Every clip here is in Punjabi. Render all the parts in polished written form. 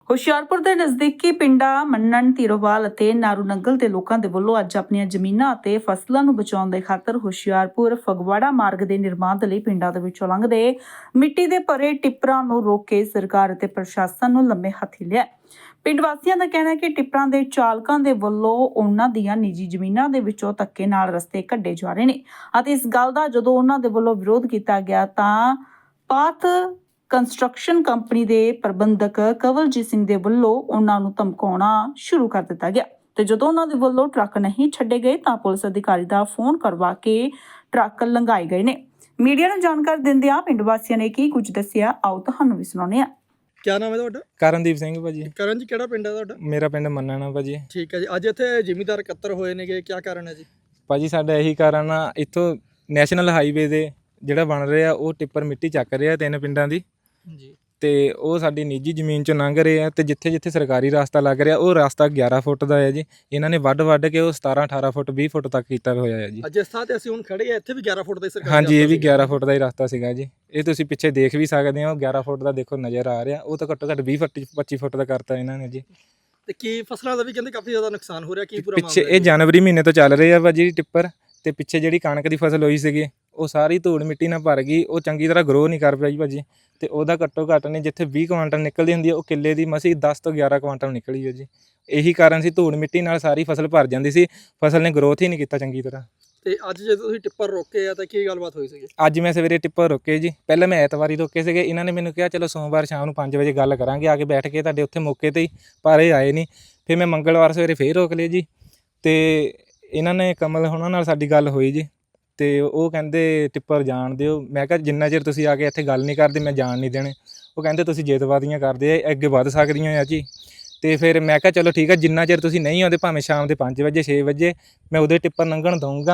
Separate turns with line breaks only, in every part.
ਹੁਸ਼ਿਆਰਪੁਰ ਦੇ ਨਜ਼ਦੀਕੀ ਪਿੰਡਾਂ ਮੰਨਣ, ਧੀਰੋਵਾਲ ਅਤੇ ਨਾਰੂ ਨੰਗਲ ਦੇ ਲੋਕਾਂ ਦੇ ਵੱਲੋਂ ਅੱਜ ਆਪਣੀਆਂ ਜ਼ਮੀਨਾਂ ਅਤੇ ਫਸਲਾਂ ਨੂੰ ਬਚਾਉਣ ਦੇ ਖਾਤਰ ਹੁਸ਼ਿਆਰਪੁਰ ਫਗਵਾੜਾ ਮਾਰਗ ਦੇ ਨਿਰਮਾਣ ਦੇ ਲਈ ਪਿੰਡਾਂ ਦੇ ਵਿੱਚੋਂ ਲੰਘਦੇ ਮਿੱਟੀ ਦੇ ਭਰੇ ਟਿੱਪਰਾਂ ਨੂੰ ਰੋਕ ਕੇ ਸਰਕਾਰ ਅਤੇ ਪ੍ਰਸ਼ਾਸਨ ਨੂੰ ਲੰਮੇ ਹੱਥੀ ਲਿਆ। ਪਿੰਡ ਵਾਸੀਆਂ ਦਾ ਕਹਿਣਾ ਹੈ ਕਿ ਟਿੱਪਰਾਂ ਦੇ ਚਾਲਕਾਂ ਦੇ ਵੱਲੋਂ ਉਹਨਾਂ ਦੀਆਂ ਨਿੱਜੀ ਜ਼ਮੀਨਾਂ ਦੇ ਵਿੱਚੋਂ ਧੱਕੇ ਨਾਲ ਰਸਤੇ ਕੱਢੇ ਜਾ ਰਹੇ ਨੇ ਅਤੇ ਇਸ ਗੱਲ ਦਾ ਜਦੋਂ ਉਹਨਾਂ ਦੇ ਵੱਲੋਂ ਵਿਰੋਧ ਕੀਤਾ ਗਿਆ ਤਾਂ ਪਾਥ ਕੰਸਟਰਕਸ਼ਨ ਕੰਪਨੀ ਦੇ ਪ੍ਰਬੰਧਕ ਕਵਲਜੀਤ ਸਿੰਘ ਦੇ ਵੱਲੋਂ ਉਹਨਾਂ ਨੂੰ ਧਮਕਾਉਣਾ ਸ਼ੁਰੂ ਕਰ ਦਿੱਤਾ ਗਿਆ ਤੇ ਜਦੋਂ ਉਹਨਾਂ ਦੇ ਵੱਲੋਂ ਟਰੱਕ ਨਹੀਂ ਛੱਡੇ ਗਏ ਤਾਂ ਪੁਲਿਸ ਅਧਿਕਾਰੀ ਦਾ ਫੋਨ ਕਰਵਾ ਕੇ ਟਰੱਕ ਲੰਘਾਏ ਗਏ ਨੇ। ਮੀਡੀਆ ਨੂੰ ਜਾਣਕਾਰੀ ਦਿੰਦਿਆਂ ਪਿੰਡ ਵਾਸੀਆਂ ਨੇ ਕੀ ਕੁਝ ਦੱਸਿਆ, ਆਓ ਤੁਹਾਨੂੰ ਵੀ ਸੁਣਾਉਂਦੇ ਹਾਂ।
क्या नाम है ਤੁਹਾਡਾ?
ਕਰਨਦੀਪ ਸਿੰਘ ਭਾਜੀ।
ਕਰਨ ਜੀ, ਕਿਹੜਾ ਪਿੰਡ ਹੈ ਤੁਹਾਡਾ?
ਮੇਰਾ ਪਿੰਡ ਮੰਨਣਾ ਭਾਜੀ।
ਠੀਕ ਹੈ ਜੀ। ਅੱਜ ਇੱਥੇ ਜ਼ਿਮੀਂਦਾਰ ਇਕੱਤਰ ਹੋਏ ਨੇਗੇ, ਕੀ ਕਾਰਨ ਹੈ ਜੀ?
ਭਾਜੀ ਸਾਡਾ ਇਹੀ ਕਾਰਨ ਆ, ਇੱਥੋਂ ਨੈਸ਼ਨਲ ਹਾਈਵੇ ਦੇ ਜਿਹੜਾ ਬਣ ਰਿਹਾ ਉਹ ਟਿੱਪਰ ਮਿੱਟੀ ਚੱਕ ਰਿਹਾ 3 ਪਿੰਡਾਂ ਦੀ
ਜੀ,
ਤੇ ਉਹ ਸਾਡੀ ਨਿੱਜੀ ਜ਼ਮੀਨ 'ਚੋਂ ਲੰਘ ਰਹੇ ਆ ਤੇ ਜਿੱਥੇ ਜਿੱਥੇ ਸਰਕਾਰੀ ਰਸਤਾ ਲੱਗ ਰਿਹਾ ਉਹ ਰਸਤਾ 11 ਫੁੱਟ ਦਾ ਹੈ ਜੀ। ਇਹਨਾਂ ਨੇ ਵੱਢ ਕੇ ਉਹ 17 18 ਫੁੱਟ 20 ਫੁੱਟ ਤੱਕ ਕੀਤਾ ਹੋਇਆ ਹੈ ਜੀ।
ਅੱਜ ਇਸ ਥਾਂ ਤੇ ਅਸੀਂ ਹੁਣ ਖੜੇ ਆ, ਇੱਥੇ ਵੀ 11 ਫੁੱਟ ਦਾ ਸਰਕਾਰੀ
ਹਾਂਜੀ, ਇਹ ਵੀ
ਰਸਤਾ
11 ਫੁੱਟ ਦਾ ਹੀ ਰਸਤਾ ਸੀਗਾ ਜੀ। ਇਹ ਤੁਸੀਂ ਪਿੱਛੇ ਦੇਖ ਵੀ ਸਕਦੇ ਹੋ, 11 ਫੁੱਟ ਦਾ ਦੇਖੋ ਨਜ਼ਰ ਆ ਰਿਹਾ। ਉਹ ਤਾਂ ਘੱਟੋ ਘੱਟ 20 ਫੁੱਟ 25 ਫੁੱਟ ਦਾ ਕਰਤਾ ਇਹਨਾਂ ਨੇ ਜੀ।
ਤੇ ਕੀ ਫਸਲਾਂ ਦਾ ਵੀ ਕਹਿੰਦੇ ਕਾਫੀ ਜ਼ਿਆਦਾ ਨੁਕਸਾਨ ਹੋ ਰਿਹਾ, ਕੀ ਪੂਰਾ
ਪਿੱਛੇ
ਮਾਮਲਾ
ਇਹ ਜਨਵਰੀ ਮਹੀਨੇ ਤੋਂ ਚੱਲ ਰਹੇ ਆ ਭਾਜੀ ਟਿੱਪਰ, ਤੇ ਪਿੱਛੇ ਜਿਹੜੀ ਕਣਕ ਦੀ ਫਸਲ ਹੋਈ ਸੀਗੀ ਉਹ ਸਾਰੀ ਧੂੜ ਮਿੱਟੀ ਨਾਲ ਭਰ ਗਈ। ਉਹ ਚੰਗੀ ਤਰ੍ਹਾਂ ਗਰੋ ਨਹੀਂ ਕਰ ਪਾਈ ਭਾਜੀ, ਤੇ ਉਹਦਾ ਘੱਟੋ ਘੱਟ ਨੇ ਜਿੱਥੇ 20 ਕੁਆਂਟਲ ਨਿਕਲਦੀ ਹੁੰਦੀ ਹੈ ਉਹ ਕਿੱਲੇ ਦੀ ਮਸੀਂ 10 ਤੋਂ 11 ਕੁਆਂਟਲ ਨਿਕਲੀ ਹੈ ਜੀ। ਇਹੀ ਕਾਰਨ ਸੀ, ਧੂੜ ਮਿੱਟੀ ਨਾਲ ਸਾਰੀ ਫਸਲ ਭਰ ਜਾਂਦੀ ਸੀ, ਫਸਲ ਨੇ ਗਰੋਥ ਹੀ ਨਹੀਂ ਕੀਤਾ ਚੰਗੀ ਤਰ੍ਹਾਂ।
ਤੇ ਅੱਜ ਜਦੋਂ ਤੁਸੀਂ ਟਿੱਪਰ ਰੋਕੇ ਆ ਤਾਂ ਕੀ ਗੱਲਬਾਤ ਹੋਈ ਸੀਗੀ?
ਅੱਜ ਮੈਂ ਸਵੇਰੇ ਟਿੱਪਰ ਰੋਕੇ ਜੀ। ਪਹਿਲਾਂ ਮੈਂ ਐਤਵਾਰੀ ਰੋਕੇ ਸੀਗੇ, ਇਹਨਾਂ ਨੇ ਮੈਨੂੰ ਕਿਹਾ ਚਲੋ ਸੋਮਵਾਰ ਸ਼ਾਮ ਨੂੰ 5 ਵਜੇ ਗੱਲ ਕਰਾਂਗੇ ਆ ਕੇ ਬੈਠ ਕੇ ਤੁਹਾਡੇ ਉੱਥੇ ਮੌਕੇ 'ਤੇ ਹੀ, ਪਰ ਇਹ ਆਏ ਨਹੀਂ। ਫਿਰ ਮੈਂ ਮੰਗਲਵਾਰ ਸਵੇਰੇ ਫੇਰ ਰੋਕ ਲਏ ਜੀ, ਤੇ ਇਹਨਾਂ ਨੇ ਕਮਲ ਹੋਣਾ ਨਾਲ ਸਾਡੀ ਗੱਲ ਹੋਈ ਜੀ, ਤੇ ਉਹ ਕਹਿੰਦੇ ਟਿੱਪਰ ਜਾਣ ਦਿਓ। ਮੈਂ ਕਿਹਾ ਜਿੰਨਾ ਚਿਰ ਤੁਸੀਂ ਆ ਕੇ ਇੱਥੇ ਗੱਲ ਨਹੀਂ ਕਰਦੇ ਮੈਂ ਜਾਣ ਨਹੀਂ ਦੇਣੇ। ਉਹ ਕਹਿੰਦੇ ਤੁਸੀਂ ਜੇਤਵਾਦੀਆਂ ਕਰਦੇ ਆ, ਅੱਗੇ ਵੱਧ ਸਕਦੀਆਂ ਆ ਜੀ। ਤੇ ਫਿਰ ਮੈਂ ਕਿਹਾ ਚਲੋ ਠੀਕ ਆ, ਜਿੰਨਾ ਚਿਰ ਤੁਸੀਂ ਨਹੀਂ ਆਉਂਦੇ ਭਾਵੇਂ ਸ਼ਾਮ ਦੇ 5 ਵਜੇ 6 ਵਜੇ ਮੈਂ ਉਹਦੇ ਟਿੱਪਰ ਲੰਘਣ ਦਊਂਗਾ।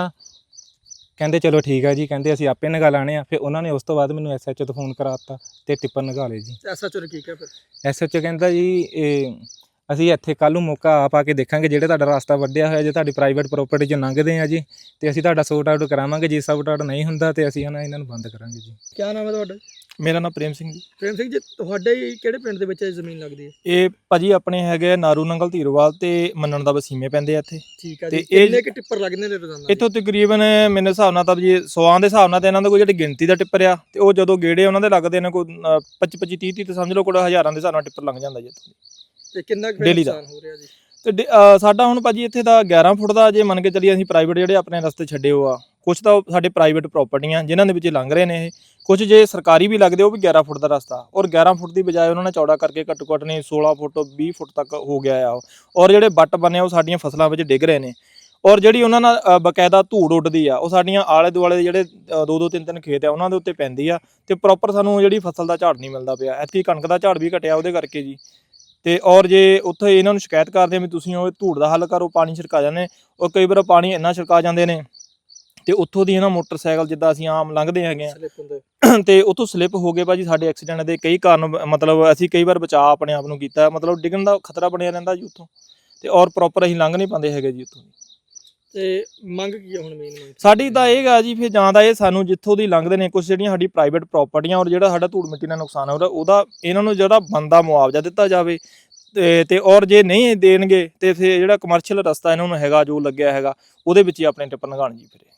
ਕਹਿੰਦੇ ਚਲੋ ਠੀਕ ਆ ਜੀ, ਕਹਿੰਦੇ ਅਸੀਂ ਆਪੇ ਨਗਾ ਲਾਣੇ ਆ। ਫਿਰ ਉਹਨਾਂ ਨੇ ਉਸ ਤੋਂ ਬਾਅਦ ਮੈਨੂੰ SHO ਤੋਂ ਫੋਨ ਕਰਾ ਦਿੱਤਾ ਤੇ ਟਿੱਪਰ ਨਗਾ ਲਏ ਜੀ।
SHO ਨੇ ਕੀ ਕਿਹਾ ਫਿਰ?
SHO ਕਹਿੰਦਾ ਜੀ ਅਸੀਂ ਇੱਥੇ ਕੱਲ੍ਹ ਨੂੰ ਮੌਕਾ ਆਪ ਆ ਕੇ ਦੇਖਾਂਗੇ, ਜਿਹੜੇ ਤੁਹਾਡਾ ਰਸਤਾ ਵੱਢਿਆ ਹੋਇਆ ਜੇ ਤੁਹਾਡੀ ਪ੍ਰਾਈਵੇਟ ਪ੍ਰੋਪਰਟੀ 'ਚ ਲੰਘਦੇ ਆ ਜੀ, ਤੇ ਅਸੀਂ ਤੁਹਾਡਾ ਸੌਟ ਆਊਟ ਕਰਾਵਾਂਗੇ। ਜੇ ਸੌਟ ਆਊਟ ਨਹੀਂ ਹੁੰਦਾ ਤੇ ਅਸੀਂ ਇਹਨਾਂ ਨੂੰ ਬੰਦ ਕਰਾਂਗੇ ਜੀ।
ਕੀ ਨਾਮ ਹੈ ਤੁਹਾਡਾ?
ਮੇਰਾ ਨਾਮ ਪ੍ਰੇਮ ਸਿੰਘ ਜੀ।
ਪ੍ਰੇਮ ਸਿੰਘ ਜੀ, ਤੁਹਾਡੇ ਕਿਹੜੇ ਪਿੰਡ ਦੇ ਵਿੱਚ ਇਹ ਜ਼ਮੀਨ ਲੱਗਦੀ ਹੈ?
ਇਹ ਭਾਜੀ ਆਪਣੇ ਹੈਗੇ ਨਾਰੂ ਨੰਗਲ, ਧੀਰੋਵਾਲ ਤੇ ਮੰਨਣ ਦਾ ਵਸੀਮੇ ਪੈਂਦੇ ਆ ਇੱਥੇ।
ਠੀਕ ਹੈ
ਤੇ
ਜੀ। ਕਿੰਨੇ ਕਿ ਟਿੱਪਰ ਲੱਗਦੇ ਨੇ ਰੋਜ਼ਾਨਾ?
ਇੱਥੋਂ ਤਕਰੀਬਨ ਮੇਰੇ ਹਿਸਾਬ ਨਾਲ ਤਾਂ ਜੀ 100 ਦੇ ਹਿਸਾਬ ਨਾਲ ਤੇ ਇਹਨਾਂ ਦਾ ਕੋਈ ਜਿਹੜੀ ਗਿਣਤੀ ਦਾ ਟਿੱਪਰ ਆ, ਤੇ ਉਹ ਜਦੋਂ ਗੇੜੇ ਉਹਨਾਂ ਦੇ ਲੱਗਦੇ ਨੇ ਕੋਈ 25 30 ਤੇ ਸਮਝ ਲਓ ਕੋਈ ਹਜ਼ਾਰਾਂ ਦੇ ਹਿਸਾਬ ਨਾਲ ਟਿੱਪਰ ਲੰਘ ਜਾਂਦਾ ਜੀ ਇੱਥੋਂ।
ਤੇ ਕਿੰਨਾ ਕੁ
ਡੇਲੀ ਦਾ
ਨੁਕਸਾਨ ਹੋ ਰਿਹਾ ਜੀ?
ਤੇ ਸਾਡਾ ਹੁਣ ਭਾਜੀ ਇੱਥੇ ਦਾ 11 ਫੁੱਟ ਦਾ ਜੇ ਮੰਨ ਕੇ ਚੱਲੀਏ, ਅਸੀਂ ਪ੍ਰਾਈਵੇਟ ਜਿਹੜੇ ਆਪਣੇ ਰਸਤੇ ਛੱਡੇ ਹੋ ਆ, ਕੁਛ ਤਾਂ ਸਾਡੇ ਪ੍ਰਾਈਵੇਟ ਪ੍ਰਾਪਰਟੀਆਂ ਜਿਨ੍ਹਾਂ ਦੇ ਵਿੱਚ ਲੰਘ ਰਹੇ ਨੇ ਇਹ, ਕੁਝ ਜੇ ਸਰਕਾਰੀ ਵੀ ਲੱਗਦੇ ਉਹ ਵੀ 11 ਫੁੱਟ ਦਾ ਰਸਤਾ, ਔਰ 11 ਫੁੱਟ ਦੀ ਬਜਾਏ ਉਹਨਾਂ ਨੇ ਚੌੜਾ ਕਰਕੇ ਘੱਟੋ ਘੱਟ ਨੇ 16 ਫੁੱਟ 20 ਫੁੱਟ ਤੱਕ ਹੋ ਗਿਆ ਆ। ਔਰ ਜਿਹੜੇ ਵੱਟ ਬਣੇ ਉਹ ਸਾਡੀਆਂ ਫਸਲਾਂ ਵਿੱਚ ਡਿੱਗ ਰਹੇ ਨੇ, ਔਰ ਜਿਹੜੀ ਉਹਨਾਂ ਨਾਲ ਬਕਾਇਦਾ ਧੂੜ ਉੱਡਦੀ ਆ ਉਹ ਸਾਡੀਆਂ ਆਲੇ ਦੁਆਲੇ ਦੇ ਜਿਹੜੇ 2-2 3-3 ਖੇਤ ਆ ਉਹਨਾਂ ਦੇ ਉੱਤੇ ਪੈਂਦੀ ਆ, ਤੇ ਪ੍ਰੋਪਰ ਸਾਨੂੰ ਜਿਹੜੀ ਫਸਲ ਦਾ ਝਾੜ ਨਹੀਂ ਮਿਲਦਾ ਪਿਆ। ਐਤਕੀ ਕਣਕ ਦਾ ਝਾੜ ਵੀ ਘਟਿਆ ਉਹਦੇ ਕਰਕੇ ਜੀ। ਤੇ ਔਰ ਜੇ ਉੱਥੇ ਇਹਨਾਂ ਨੂੰ ਸ਼ਿਕਾਇਤ ਕਰਦੇ ਆ ਵੀ ਤੁਸੀਂ ਉਹ ਧੂੜ ਦਾ ਹੱਲ ਕਰੋ, ਪਾਣੀ ਛਿੜਕਾ ਜਾਂਦੇ, ਉਹ ਕਈ ਵਾਰ ਪਾਣੀ ਇੰਨਾ ਛਿੜਕਾ ਜਾਂਦੇ ਨੇ ਤੇ ਉੱਥੋਂ ਦੀ ਇਹਨਾਂ ਮੋਟਰਸਾਈਕਲ ਜਿੱਦਾਂ ਅਸੀਂ ਆਮ ਲੰਘਦੇ ਹੈਗੇ ਆ ਤੇ ਉੱਥੋਂ ਸਲਿੱਪ ਹੋ ਗਏ ਭਾਜੀ। ਸਾਡੇ ਐਕਸੀਡੈਂਟ ਦੇ ਕਈ ਕਾਰਨ, ਮਤਲਬ ਅਸੀਂ ਕਈ ਵਾਰ ਬਚਾਅ ਆਪਣੇ ਆਪ ਨੂੰ ਕੀਤਾ, ਮਤਲਬ ਡਿੱਗਣ ਦਾ ਖਤਰਾ ਬਣਿਆ ਰਹਿੰਦਾ ਜੀ ਉੱਥੋਂ, ਤੇ ਔਰ ਪ੍ਰੋਪਰ ਅਸੀਂ ਲੰਘ ਨਹੀਂ ਪਾਉਂਦੇ ਹੈਗੇ ਜੀ ਉੱਥੋਂ।
ਤੇ ਮੰਗ ਕੀ ਹੈ ਹੁਣ ਮੇਨ ਮੰਗ
ਸਾਡੀ ਤਾਂ ਇਹ ਗਾ ਜੀ, ਫਿਰ ਜਾਂ ਤਾਂ ਇਹ ਸਾਨੂੰ ਜਿੱਥੋਂ ਦੀ ਲੰਘਦੇ ਨੇ ਕੁਛ ਜਿਹੜੀਆਂ ਸਾਡੀ ਪ੍ਰਾਈਵੇਟ ਪ੍ਰਾਪਰਟੀਆਂ, ਔਰ ਜਿਹੜਾ ਸਾਡਾ ਧੂੜ ਮਿੱਟੀ ਨਾਲ ਨੁਕਸਾਨ ਹੋ ਰਿਹਾ ਉਹਦਾ ਇਹਨਾਂ ਨੂੰ ਜਿਹੜਾ ਬਣਦਾ ਮੁਆਵਜ਼ਾ ਦਿੱਤਾ ਜਾਵੇ। ਤੇ ਔਰ ਜੇ ਨਹੀਂ ਦੇਣਗੇ ਤੇ ਫਿਰ ਜਿਹੜਾ ਕਮਰਸ਼ੀਅਲ ਰਸਤਾ ਇਹਨਾਂ ਨੂੰ ਹੈਗਾ ਜੋ ਲੱਗਿਆ ਹੈਗਾ ਉਹਦੇ ਵਿੱਚ ਹੀ ਆਪਣੇ ਟਿੱਪਰ ਲੰਘਾਉਣ ਜੀ ਫਿਰ।